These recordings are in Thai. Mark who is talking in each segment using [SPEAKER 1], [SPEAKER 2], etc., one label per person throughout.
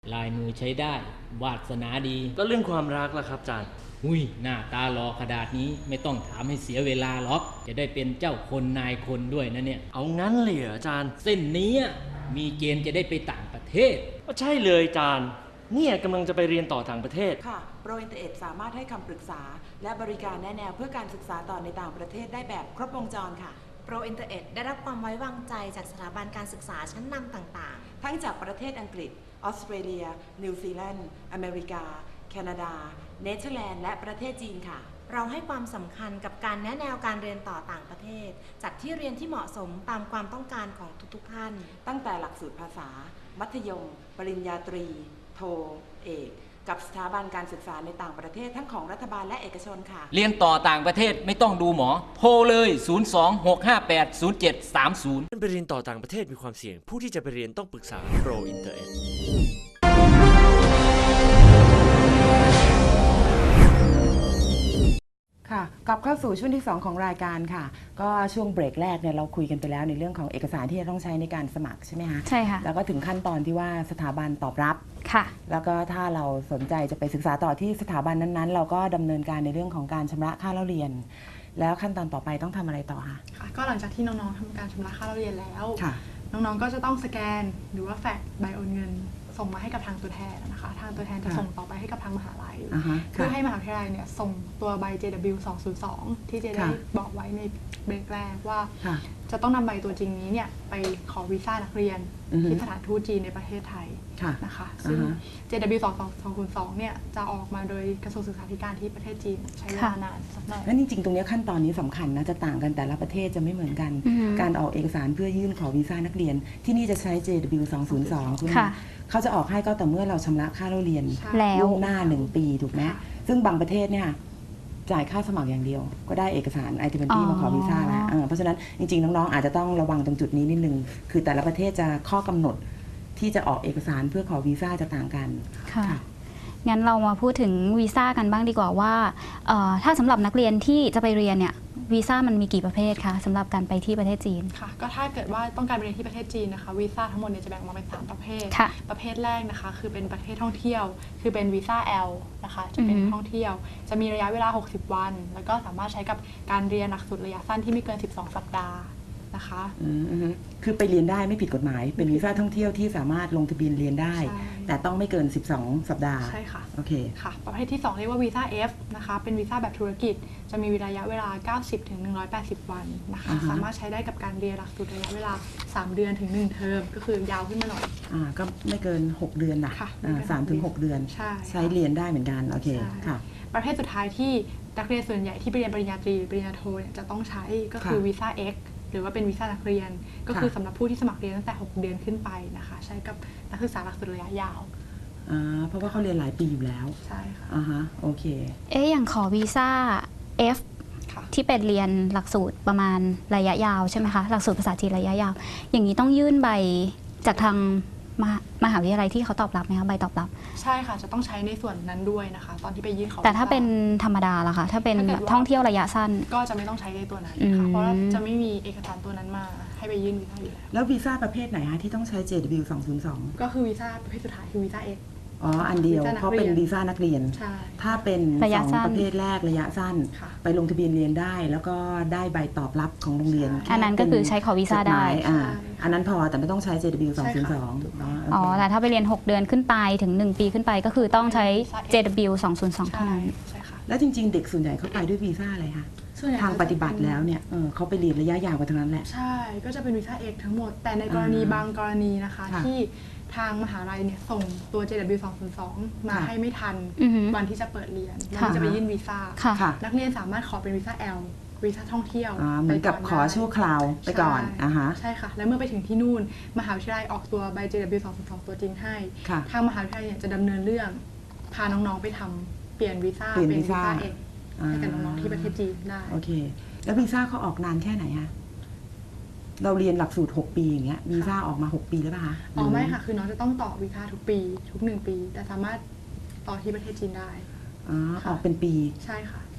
[SPEAKER 1] ลายมือใช้ได้วาสนาดี
[SPEAKER 2] ก็เรื่องความรักล่ะครับอาจารย์
[SPEAKER 1] หน้าตาหล่อขนาดนี้ไม่ต้องถามให้เสียเวลาหรอกจะได้เป็นเจ้าคนนายคนด้วยนะเนี่ย
[SPEAKER 2] เอางั้นเลยเหรออาจารย์
[SPEAKER 1] เส้นนี้มีเกณฑ์จะได้ไปต่างประเทศ
[SPEAKER 2] ก็ใช่เลยอาจารย์เนี่ยกำลังจะไปเรียนต่อต่างประเทศ
[SPEAKER 3] ค่ะโปรอินเตอร์เอ็ดสามารถให้คำปรึกษาและบริการแนะแนวเพื่อการศึกษาต่อในต่างประเทศได้แบบครบวงจรค่ะ
[SPEAKER 4] โปรอินเตอร์เอ็ดได้รับความไว้วางใจจากสถาบันการศึกษาชั้นนำต่าง
[SPEAKER 3] ๆทั้งจากประเทศอังกฤษออสเตรเลียนิวซีแลนด์อเมริกาแคนาดาเนเธอร์แลนด์และประเทศจีนค่ะ
[SPEAKER 4] เราให้ความสำคัญกับการแนะแนวการเรียนต่อต่างประเทศจัดที่เรียนที่เหมาะสมตามความต้องการของทุกๆท่าน
[SPEAKER 3] ตั้งแต่หลักสูตรภาษามัธยมปริญญาตรีโทเอกกับสถาบันการศึกษาในต่างประเทศทั้งของรัฐบาลและเอกชนค่ะ
[SPEAKER 1] เรียนต่อต่างประเทศไม่ต้องดูหมอโทรเลย 026580730
[SPEAKER 2] ไปเรียนต่อต่างประเทศมีความเสี่ยงผู้ที่จะไปเรียนต้องปรึกษาโปรอินเตอร์เอ็ด
[SPEAKER 3] ค่ะกลับเข้าสู่ช่วงที่2ของรายการค่ะก็ช่วงเบรกแรกเนี่ยเราคุยกันไปแล้วในเรื่องของเอกสารที่จะต้องใช้ในการสมัครใช่ไหมคะ
[SPEAKER 5] ใช่ค่ะ
[SPEAKER 3] แล้วก็ถึงขั้นตอนที่ว่าสถาบันตอบรับ
[SPEAKER 5] ค่ะ
[SPEAKER 3] แล้วก็ถ้าเราสนใจจะไปศึกษาต่อที่สถาบันนั้นๆเราก็ดำเนินการในเรื่องของการชำระค่าเล่าเรียนแล้วขั้นตอนต่อไปต้องทำอะไรต่อคะ
[SPEAKER 5] ค่ะก็หลังจากที่น้องๆทำการชำระค่าเล่าเรียนแล้วน้องๆก็จะต้องสแกนหรือว่าแฟกซ์ใบโอนเงินส่งมาให้กับทางตัวแทนนะคะทางตัวแทนจะส่งต่อไปให้กับทางมหาลัยเพื่อให้มหาวิทยาลัยเนี่ยส่งตัวใบ JW 202ที่เจได้บอกไว้ในเบรกแรกว่าจะต้องนำใบตัวจริงนี้เนี่ยไปขอวีซ่านักเรียนที่สถานทูตจีนในประเทศไทยนะคะซึ่ง JW 202เนี่ยจะออกมาโดยกระทรวงศึกษาธิการที่ประเทศจีนใช้เวลานานสักหน่อย
[SPEAKER 3] แล้วจริงๆตรงนี้ขั้นตอนนี้สำคัญนะจะต่างกันแต่ละประเทศจะไม่เหมือนกันการออกเอกสารเพื่อยื่นขอวีซ่านักเรียนที่นี่จะใช้ JW 202คุณเขาจะออกให้ก็แต่เมื่อเราชำระค่าเล่าเรียนล่วงหน้า1 ปีถูกไหมซึ่งบางประเทศเนี่ยจ่ายค่าสมัครอย่างเดียวก็ได้เอกสารไอทีเวนตี้มาขอวีซ่าแล้วเพราะฉะนั้นจริงๆน้องๆอาจจะต้องระวังตรงจุดนี้นิดนึงคือแต่ละประเทศจะข้อกำหนดที่จะออกเอกสารเพื่อขอวีซ่าจะต่างกัน
[SPEAKER 5] ค่ะงั้นเรามาพูดถึงวีซ่ากันบ้างดีกว่าว่าถ้าสำหรับนักเรียนที่จะไปเรียนเนี่ยวีซ่ามันมีกี่ประเภทคะสำหรับการไปที่ประเทศจีน
[SPEAKER 6] ค่ะก็ถ้าเกิดว่าต้องการไปเรียนที่ประเทศจีนนะคะวีซ่าทั้งหมดเนี่ยจะแบ่งออกมาเป็น3ประเภทประเภทแรกนะคะคือเป็นประเภทท่องเที่ยวคือเป็นวีซ่า L นะคะจะเป็นท่องเที่ยวจะมีระยะเวลา60 วันแล้วก็สามารถใช้กับการเรียนหลักสูตรระยะสั้นที่ไม่เกิน12 สัปดาห์นะคะ
[SPEAKER 3] คือไปเรียนได้ไม่ผิดกฎหมายเป็นวีซ่าท่องเที่ยวที่สามารถลงทะเบียนเรียนได้แต่ต้องไม่เกิน12 สัปดาห์
[SPEAKER 6] ใช่ค่ะ
[SPEAKER 3] โอเค
[SPEAKER 6] ค่ะประเภทที่2เรียกว่าวีซ่า F นะคะเป็นวีซ่าแบบธุรกิจจะมีระยะเวลา90 ถึง 180 วันนะคะสามารถใช้ได้กับการเรียนหลักสูตรระยะเวลา3 เดือนถึง1 เทอมก็คือยาวขึ้นมาหน่อย
[SPEAKER 3] ก็ไม่เกิน6 เดือนนะ3 ถึง 6 เดือนใช้เรียนได้เหมือนกันโอเคค่ะ
[SPEAKER 6] ประเภทสุดท้ายที่นักเรียนส่วนใหญ่ที่ไปเรียนปริญญาตรีปริญญาโทเนี่ยจะต้องใช้ก็คือวีซ่า Xหรือว่าเป็นวีซ่านักเรียนก็คือสำหรับผู้ที่สมัครเรียนตั้งแต่6 เดือนขึ้นไปนะคะใช้กับนักศึกษาหลักสูตรระยะยาว
[SPEAKER 3] เพราะว่าเขาเรียนหลายปีอยู่แล้ว
[SPEAKER 6] ใช่ค่ะ
[SPEAKER 3] โอเค
[SPEAKER 5] อย่างขอวีซ่า F ที่เป็นเรียนหลักสูตรประมาณระยะยาวใช่ไหมคะหลักสูตรภาษาจีนระยะยาวอย่างนี้ต้องยื่นใบจากทางมหาวิทยาลัยที่เขาตอบรับไหมคะใบตอบรับ
[SPEAKER 6] ใช่ค่ะจะต้องใช้ในส่วนนั้นด้วยนะคะตอนที่ไปยื่นขอ
[SPEAKER 5] แต่ถ้าเป็นธรรมดาล่ะคะถ้าเป็นท่องเที่ยวระยะสั้น
[SPEAKER 6] ก็จะไม่ต้องใช้ในตัวนั้นค่ะเพราะจะไม่มีเอกสารตัวนั้นมาให้ไปยื่นวีซ่าอยู่
[SPEAKER 3] แล้ววีซ่าประเภทไหนคะที่ต้องใช้ JW 202
[SPEAKER 6] ก็คือวีซ่าประเภทสุดท้ายคือวีซ่า X
[SPEAKER 3] อันเดียวเพราะเป็นวีซ่านักเรียนถ้าเป็น2ประเภทแรกระยะสั้นไปลงทะเบียนเรียนได้แล้วก็ได้ใบตอบรับของโรงเรียน
[SPEAKER 5] อันนั้นก็คือใช้ขอวีซ่าได้
[SPEAKER 3] อันนั้นพอแต่ไม่ต้องใช้ JW 202
[SPEAKER 5] แต่ถ้าไปเรียน6 เดือนขึ้นไปถึง1 ปีขึ้นไปก็คือต้องใช้ JW 202เท่านั้น
[SPEAKER 3] แล้วจริงๆเด็กส่วนใหญ่เขาไปด้วยวีซ่าอะไรคะทางปฏิบัติแล้วเนี่ยเขาไปเรียนระยะยาวกว่าทั้งนั้นแหละ
[SPEAKER 6] ใช่ก็จะเป็นวีซ่า X ทั้งหมดแต่ในกรณีบางกรณีนะคะที่ทางมหาลัยเนี่ยส่งตัว JW 202มาให้ไม่ทันวันที่จะเปิดเรียนมันจะไปยื่นวีซ่านักเรียนสามารถขอเป็นวีซ่า L วีซ่าท่องเที่ยว
[SPEAKER 3] เหมือนกับขอชั่วคราวไปก่อน
[SPEAKER 6] ใช่ค่ะแล้วเมื่อไปถึงที่นู่นมหาวิทยาลัยออกตัวใบ JW 202ตัวจริงให้ทางมหาวิทยาลัยจะดำเนินเรื่องพาน้องๆไปทำเปลี่ยนวีซ่าเป็นวีซ่า X ให้กับน้องๆที่ประเทศจีนได้
[SPEAKER 3] โอเคแล้ววีซ่าเขาออกนานแค่ไหนคะเราเรียนหลักสูตร6 ปีอย่างเงี้ยวีซ่าออกมา6 ปีแล้วป่ะคะ
[SPEAKER 6] ไม่ค่ะคือน้องจะต้องต่อวีซ่าทุกปีทุก1 ปีแต่สามารถต่อที่ประเทศจีนได้
[SPEAKER 3] ออกเป็นปี
[SPEAKER 6] ใช่ค่ะ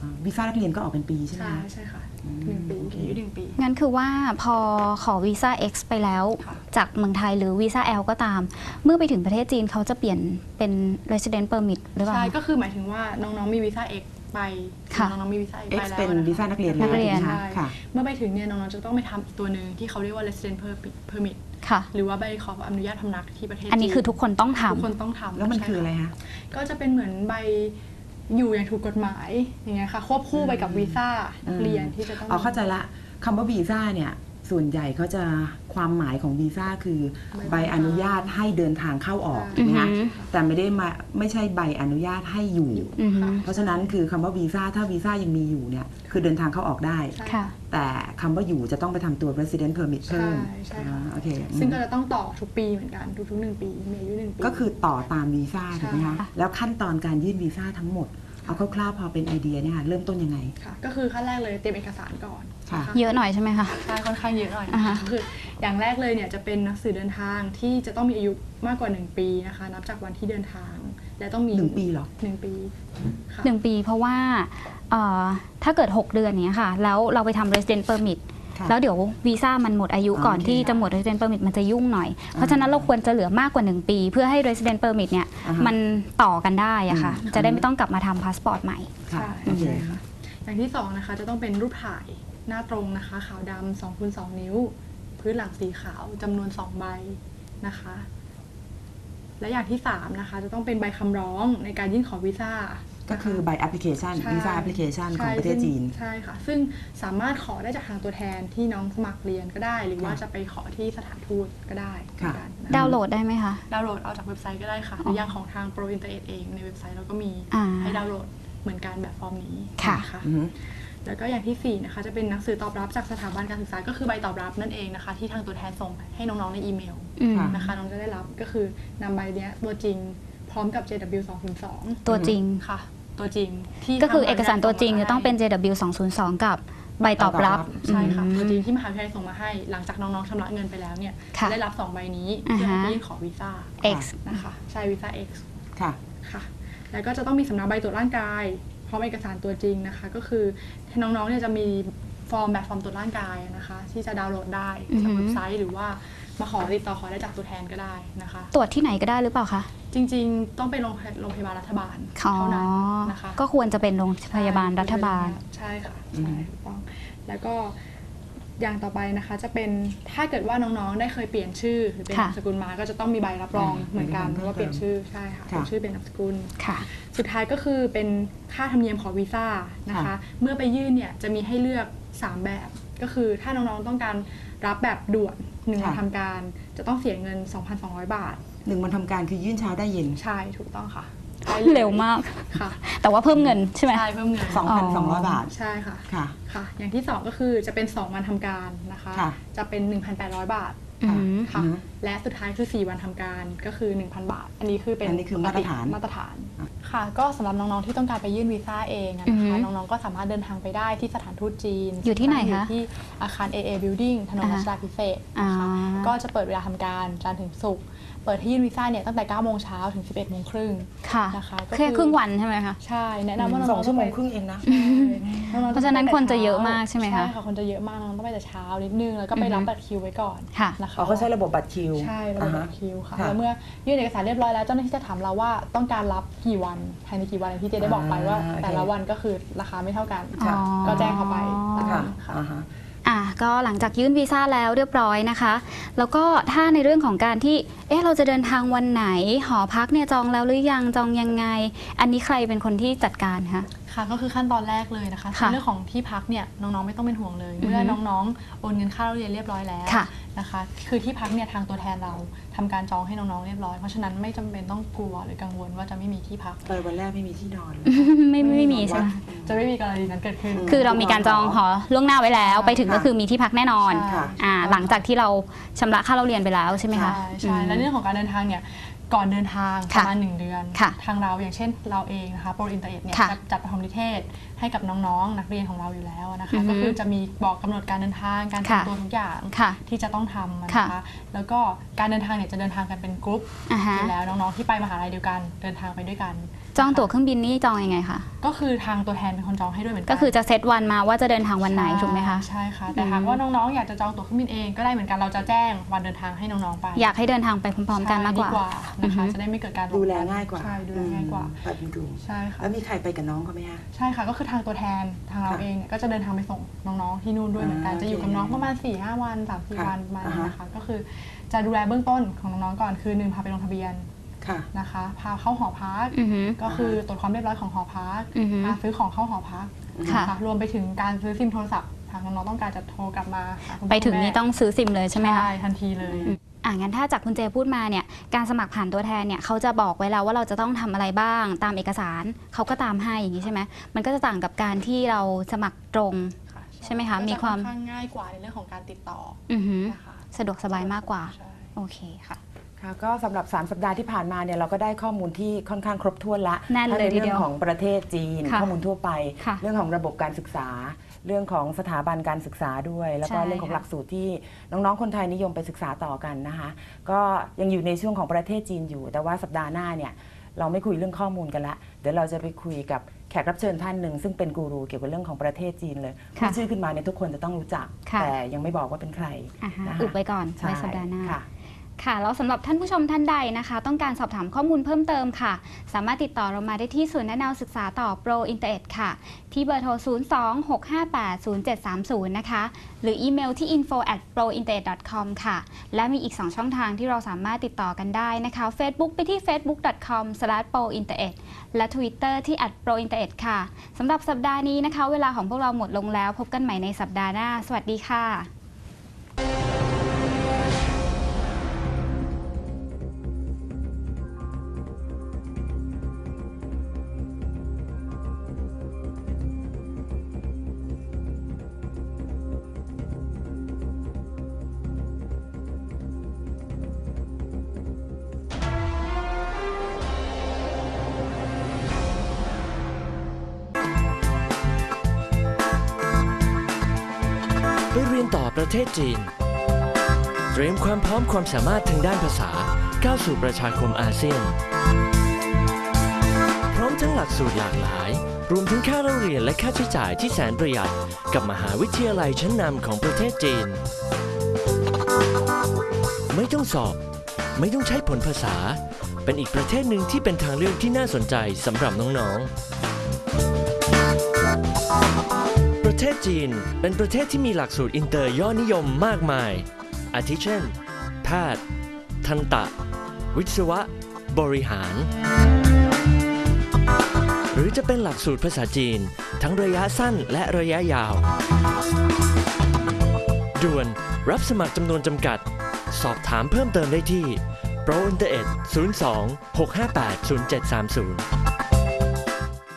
[SPEAKER 3] วีซ่านักเรียนก็ออกเป็นปีใช่ไหม
[SPEAKER 6] ใช่ค่ะ1 ปีอายุ1 ปี
[SPEAKER 7] งั้นคือว่าพอขอวีซ่า X ไปแล้วจากเมืองไทยหรือวีซ่า L ก็ตามเมื่อไปถึงประเทศจีนเขาจะเปลี่ยนเป็น resident permit หรือเปล่า
[SPEAKER 6] ใช่ก็คือหมายถึงว่าน้องๆมีวีซ่า X ไปน้องๆมีวีซ่า X ไปแล้ว
[SPEAKER 3] เป็นวีซ่านักเรียน
[SPEAKER 7] นักเรียน
[SPEAKER 3] ค่ะ
[SPEAKER 6] เมื่อไปถึงเนี่ยน้องๆจะต้องไปทำอีกตัวหนึ่งที่เขาเรียกว่า resident permit
[SPEAKER 7] ค่ะ
[SPEAKER 6] หรือว่าใบขออนุญาตพำนักที่ประเทศจีน
[SPEAKER 7] อันนี้คือทุกคนต้องทำ
[SPEAKER 6] ทุกคนต้องทำ
[SPEAKER 3] แล้วมันคืออะไรคะ
[SPEAKER 6] ก็จะเป็นเหมือนใบอยู่อย่างถูกกฎหมายอย่างเงี้ยค่ะควบคู่ไปกับวีซ่านักเรียนที่จะต้อง
[SPEAKER 3] เข้าใจละคำว่าวีซ่าเนี่ยส่วนใหญ่เขาจะความหมายของวีซ่าคือใบอนุญาตให้เดินทางเข้าออกนะคะแต่ไม่ใช่ใบอนุญาตให้อยู่ เพราะฉะนั้นคือคำว่าวีซ่าถ้าวีซ่ายังมีอยู่เนี่ยคือเดินทางเข้าออกได้ แต่คำว่าอยู่จะต้องไปทำตัว resident permit เพิ่ม
[SPEAKER 6] ใช่ค่ะ
[SPEAKER 3] โอเค
[SPEAKER 6] ซึ่งก็จะต้องต่อทุกปีเหมือนกันทุกๆ1 ปีมีอายุ1 ปี
[SPEAKER 3] ก็คือต่อตามวีซ่าถูกไหมคะแล้วขั้นตอนการยื่นวีซ่าทั้งหมดเอาคร่าวๆพอเป็นไอเดียเนี่ยเริ่มต้นยังไง
[SPEAKER 6] ค่ะก็คือขั้นแรกเลยเตรียมเอกสารก่อน
[SPEAKER 7] เยอะหน่อยใช่ไหมคะ
[SPEAKER 6] ใช่ค่อนข้างเยอะหน่อยก็คืออย่างแรกเลยเนี่ยจะเป็นหนังสือเดินทางที่จะต้องมีอายุมากกว่า1 ปีนะคะนับจากวันที่เดินทางและต้องมี
[SPEAKER 3] 1 ปีเหรอ
[SPEAKER 6] 1 ปีค่ะ
[SPEAKER 7] 1 ปีเพราะว่าถ้าเกิด6 เดือนเนี้ยค่ะแล้วเราไปทำ resident permitแล้วเดี๋ยววีซ่ามันหมดอายุก่อนที่จะหมด resident permit มันจะยุ่งหน่อยเพราะฉะนั้นเราควรจะเหลือมากกว่า1 ปีเพื่อให้ resident permit เนี่ยมันต่อกันได้อะค่ะจะได้ไม่ต้องกลับมาทำพาสปอร์ตใหม่
[SPEAKER 6] ใช่ค่ะอย่างที่2นะคะจะต้องเป็นรูปถ่ายหน้าตรงนะคะขาวดำ2x2 นิ้วพื้นหลังสีขาวจำนวน2 ใบนะคะและอย่างที่3นะคะจะต้องเป็นใบคำร้องในการยื่นขอวีซ่า
[SPEAKER 3] ก็คือใบแอปพลิเคชันวีซ่าแอปพลิเคชันของประเทศจีน
[SPEAKER 6] ใช่ค่ะซึ่งสามารถขอได้จากทางตัวแทนที่น้องสมัครเรียนก็ได้หรือว่าจะไปขอที่สถานทูตก็ได้
[SPEAKER 7] ดาวน์โหลดได้ไหมคะ
[SPEAKER 6] ดาวน์โหลดเอาจากเว็บไซต์ก็ได้ค่ะหรืออย่างของทางโปรอินเตอร์เน็ตเองในเว็บไซต์เราก็มีให้ดาวน์โหลดเหมือนกันแบบฟอร์มนี้ค่ะแล้วก็อย่างที่4นะคะจะเป็นหนังสือตอบรับจากสถาบันการศึกษาก็คือใบตอบรับนั่นเองนะคะที่ทางตัวแทนส่งให้น้องๆในอีเมลนะคะน้องจะได้รับก็คือนำใบนี้ตัวจริงพร้อมกับ JW 202
[SPEAKER 7] ตัวจริง
[SPEAKER 6] ค่ะตัวจริงที่
[SPEAKER 7] ก็คือเอกสารตัวจริงจะต้องเป็น JW 202กับใบตอบรับ
[SPEAKER 6] ใช่ค่ะตัวจริงที่มหาวิทยาลัยส่งมาให้หลังจากน้องๆชำระเงินไปแล้วเนี่ยได้รับ2 ใบนี้เพื่อยื่นขอวีซ่า
[SPEAKER 7] X
[SPEAKER 6] นะคะใช่วีซ่า X
[SPEAKER 3] ค่ะ
[SPEAKER 6] ค่ะแล้วก็จะต้องมีสำเนาใบตรวจร่างกายพร้อมเอกสารตัวจริงนะคะก็คือน้องๆเนี่ยจะมีฟอร์มแบบฟอร์มตรวจร่างกายนะคะที่จะดาวน์โหลดได้จากเว็บไซต์หรือว่ามาติดต่อขอได้จากตัวแทนก็ได้นะคะ
[SPEAKER 7] ตรวจที่ไหนก็ได้หรือเปล่าคะ
[SPEAKER 6] จริงๆต้องเป็นโรงพยาบาลรัฐบาลเท่านั้นนะคะ
[SPEAKER 7] ก็ควรจะเป็นโรงพยาบาลรัฐบาล
[SPEAKER 6] ใช่ค่ะใช่ถูกต้องแล้วก็อย่างต่อไปนะคะจะเป็นถ้าเกิดว่าน้องๆได้เคยเปลี่ยนชื่อหรือเป็นนามสกุลมาก็จะต้องมีใบรับรองเหมือนกันเพราะว่าเปลี่ยนชื่อใช่ค่ะเป็นชื่อเป็นนามสกุลสุดท้ายก็คือเป็นค่าธรรมเนียมขอวีซ่านะคะเมื่อไปยื่นเนี่ยจะมีให้เลือก3 แบบก็คือถ้าน้องๆต้องการรับแบบด่วน1 วันทำการจะต้องเสียเงิน 2,200 บาท
[SPEAKER 3] 1 วันทำการคือยื่นเช้าได้เย็น
[SPEAKER 6] ใช่ถูกต้องค่ะ
[SPEAKER 7] เร็วมาก
[SPEAKER 6] ค่ะ
[SPEAKER 7] แต่ว่าเพิ่มเงินใช่ไหม
[SPEAKER 6] ใช่เพิ่มเงิน
[SPEAKER 3] 2,200 บาท
[SPEAKER 6] ใช่ค่ะค่ะอย่างที่2ก็คือจะเป็น2 วันทำการนะคะจะเป็น 1,800 บาทค่ะและสุดท้ายคือ4 วันทำการก็คือ 1,000 บาทอันนี้คือ
[SPEAKER 3] มาตรฐาน
[SPEAKER 6] ค่ะก็สำหรับน้องๆที่ต้องการไปยื่นวีซ่าเองนะคะน้องๆก็สามารถเดินทางไปได้ที่สถานทูตจีน
[SPEAKER 7] อยู่ที่ไหนคะ
[SPEAKER 6] อยู่ที่อาคาร AA Building ถนนรัชดาภิเษกนะคะก็จะเปิดเวลาทำการจันทร์ถึงศุกร์เปิดให้ยื่นวีซ่าเนี่ยตั้งแต่ 9 โมงเช้าถึง 11 โมงครึ่งนะคะ
[SPEAKER 7] แค่ครึ่งวันใช่ไหมคะ
[SPEAKER 6] ใช่แนะนำว่าน้อง
[SPEAKER 3] 2 ชั่วโมงครึ่งเองนะ
[SPEAKER 7] เพราะฉะนั้นคนจะเยอะมากใช่ไหมคะ
[SPEAKER 6] ใช่ค่ะคนจะเยอะมากน้องต้องไปแต่เช้านิดนึงแล้วก็ไปรับบัตรคิวไว้ก่อนนะคะ
[SPEAKER 3] เขาใช้ระบบบัตรคิว
[SPEAKER 6] ใช่ระบบบัตรคิวค่ะแล้วเมื่อยื่นเอกสารเรียบร้อยแล้วเจ้าหน้าที่จะถามเราว่าต้องการรับกี่วันภายในกี่วันที่เจได้บอกไปว่าแต่ละวันก็คือราคาไม่เท่ากันก็แจ้งเขาไป
[SPEAKER 3] ค่ะ
[SPEAKER 7] ก็หลังจากยื่นวีซ่าแล้วเรียบร้อยนะคะแล้วก็ถ้าในเรื่องของการที่เราจะเดินทางวันไหนหอพักเนี่ยจองแล้วหรือยังจองยังไงอันนี้ใครเป็นคนที่จัดการคะ
[SPEAKER 6] ค่ะก็คือขั้นตอนแรกเลยนะคะเรื่องของที่พักเนี่ยน้องๆไม่ต้องเป็นห่วงเลยเมื่อน้องๆโอนเงินค่าเรียนเรียบร้อยแล้วนะคะคือที่พักเนี่ยทางตัวแทนเราทำการจองให้น้องๆเรียบร้อยเพราะฉะนั้นไม่จำเป็นต้องกลัวหรือกังวลว่าจะไม่มีที่พัก
[SPEAKER 3] ไปวันแรกไม่มีที่นอน
[SPEAKER 7] ไม่มีใช่ไหม
[SPEAKER 6] จะไม่มีกรณีนั้นเกิดขึ้น
[SPEAKER 7] คือเรามีการจองหอล่วงหน้าไว้แล้วไปถึงก็คือมีที่พักแน่นอนหลังจากที่เราชำระค่าเราเรียนไปแล้วใช่ไหมคะ
[SPEAKER 6] ใช่และเรื่องของการเดินทางเนี่ยก่อนเดินทางประมาณ1 เดือนทางเราอย่างเช่นเราเองนะคะโปรอินเตอร์เน็ตเนี่ยจะจัดประถมนิเทศให้กับน้องๆนักเรียนของเราอยู่แล้วนะคะก็คือจะมีบอกกำหนดการเดินทางการเตรียมตัวทุกอย่างที่จะต้องทำนะคะแล้วก็การเดินทางเนี่ยจะเดินทางกันเป็นกรุ๊ปอยู่แล้วน้องๆที่ไปมหาลัยเดียวกันเดินทางไปด้วยกัน
[SPEAKER 7] จองตั๋วเครื่องบินนี่จองยังไงคะ
[SPEAKER 6] ก็คือทางตัวแทนเป็นคนจองให้ด้วยเหมือนกัน
[SPEAKER 7] ก็คือจะเซตวันมาว่าจะเดินทางวันไหนถูกไหมคะ
[SPEAKER 6] ใช่ค่ะแต่หากว่าน้องๆอยากจะจองตั๋วเครื่องบินเองก็ได้เหมือนกันเราจะแจ้งวันเดินทางให้น้องๆไป
[SPEAKER 7] อยากให้เดินทางไปพร้อมๆกันมากกว่า
[SPEAKER 6] นะคะจะได้ไม่เกิดการ
[SPEAKER 3] ดูแลง่ายกว่า
[SPEAKER 6] ใช่ดูแลง่ายกว่า
[SPEAKER 3] ใช่ค่ะแล้วมีใครไปกับน้องเขาไหมคะ
[SPEAKER 6] ใช่ค่ะก็คือทางตัวแทนทางเราเองก็จะเดินทางไปส่งน้องๆที่นู่นด้วยเหมือนกันจะอยู่กับน้องประมาณ 4-5 วัน 3-4 วันประมาณนี้นะคะก็คือจะดูแลเบื้องต้นของน้องๆก่อนคือ1พาไปลงทะเบียนนะคะพาเข้าหอพักก็คือตรวจความเรียบร้อยของหอพักพาซื้อของเข้าหอพักนะคะรวมไปถึงการซื้อซิมโทรศัพท์หากน้องๆต้องการจะโทรกลับมา
[SPEAKER 7] ไปถึงนี่ต้องซื้อซิมเลยใช่ไหมคะ
[SPEAKER 6] ใช่ทันทีเลย
[SPEAKER 7] งั้นถ้าจากคุณเจพูดมาเนี่ยการสมัครผ่านตัวแทนเนี่ยเขาจะบอกไว้แล้วว่าเราจะต้องทำอะไรบ้างตามเอกสารเขาก็ตามให้อย่างนี้ใช่ไหมมันก็จะต่างกับการที่เราสมัครตรงใช่ไหมคะมีความ
[SPEAKER 6] ง่ายกว่าในเรื่องของการติดต่อ
[SPEAKER 7] นะคะสะดวกสบายมากกว่าโอเคค่ะ
[SPEAKER 3] ก็สำหรับ3สัปดาห์ที่ผ่านมาเนี่ยเราก็ได้ข้อมูลที่ค่อนข้างครบถ้วนละ
[SPEAKER 7] ทั้งใน
[SPEAKER 3] เรื่องของประเทศจีนข้อมูลทั่วไปเรื่องของระบบการศึกษาเรื่องของสถาบันการศึกษาด้วยแล้วก็เรื่องของหลักสูตรที่น้องๆคนไทยนิยมไปศึกษาต่อกันนะคะก็ยังอยู่ในช่วงของประเทศจีนอยู่แต่ว่าสัปดาห์หน้าเนี่ยเราไม่คุยเรื่องข้อมูลกันละเดี๋ยวเราจะไปคุยกับแขกรับเชิญท่านหนึ่งซึ่งเป็นกูรูเกี่ยวกับเรื่องของประเทศจีนเลยพูดชื่อขึ้นมาเนี่ยทุกคนจะต้องรู้จักแต่ยังไม่บอกว่าเป็นใคร
[SPEAKER 7] อุบไว้ก่อนไว้สัปดาห์หน้าค่ะแล้วสำหรับท่านผู้ชมท่านใดนะคะต้องการสอบถามข้อมูลเพิ่มเติมค่ะสามารถติดต่อเรามาได้ที่ศูนย์แนะนำศึกษาต่อโปรอินเตอร์เน็ตค่ะที่เบอร์โทร 026580730 นะคะหรืออีเมลที่ info@prointernet.com ค่ะและมีอีก2ช่องทางที่เราสามารถติดต่อกันได้นะคะ Facebook ไปที่ facebook.com/prointernet และ Twitter ที่ @prointernet ค่ะสำหรับสัปดาห์นี้นะคะเวลาของพวกเราหมดลงแล้วพบกันใหม่ในสัปดาห์หน้าสวัสดีค่ะ
[SPEAKER 2] ไปเรียนต่อประเทศจีนเตรียมความพร้อมความสามารถทางด้านภาษาก้าวสู่ประชาคมอาเซียนพร้อมทั้งหลักสูตรหลากหลายรวมถึงค่าเล่าเรียนและค่าใช้จ่ายที่แสนประหยัดกับมหาวิทยาลัยชั้นนำของประเทศจีนไม่ต้องสอบไม่ต้องใช้ผลภาษาเป็นอีกประเทศหนึ่งที่เป็นทางเลือกที่น่าสนใจสำหรับน้องๆประเทศจีนเป็นประเทศที่มีหลักสูตรอินเตอร์ยอดนิยมมากมายอาทิเช่นแพทย์ทันตะวิศวะบริหารหรือจะเป็นหลักสูตรภาษาจีนทั้งระยะสั้นและระยะยาวด่วนรับสมัครจำนวนจำกัดสอบถามเพิ่มเติมได้ที่ Pro Internet 02 658 0730